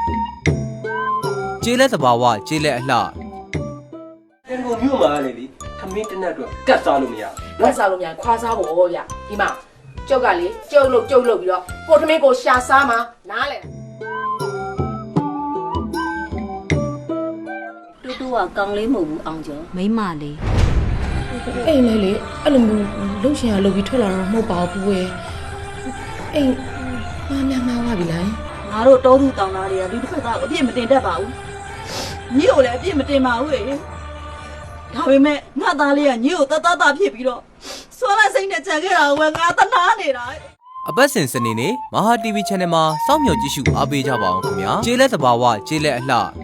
ကျေးလက်သဘာဝကျေးလက်အလှတန်ကုန်မြို့မှာလေဒီခမင်းတနတ်တော့ကတ်စားလို့မရလက်စားလို့များခွာစားဖို့ဗျဒီမှာကျုပ်ကလေကျုပ်လို့ပြီးတော့ကိုသမင်းကိုရှာစားမှာနားလေတူတူကကောင်းလေးမဟုတ်ဘူးအောင်ကျော်မိမလေးအိမ်လေလေအဲ့လိုမျိုးလှုပ်ရှင်ရလှုပ်ပြီးထွက်လာတော့မဟုတ်ပါဘူးကွယ်အိမ်မှားပါပြီလားငါတို့တောသူတောင်သားတွေကဒီတစ်ခါကအပြစ်မတင်တတ်ပါဘူးညီကိုလည်းအပြစ်မတင်ပါဘူးလေဒါပေမဲ့ငါသားလေးကညီကိုတတဖြစ်ပြီးတော့ဆွမ်းလိုက်စိတ်နဲ့ကြံခဲ့တာကငါတနာနေတာအပတ်စဉ်စနေနေ့မဟာ TV Channel မှာစောင့်မျှော်ကြည့်ရှုအားပေးကြပါအောင်ခင်ဗျာကျေးလက်သဘာဝကျေးလက်အလှ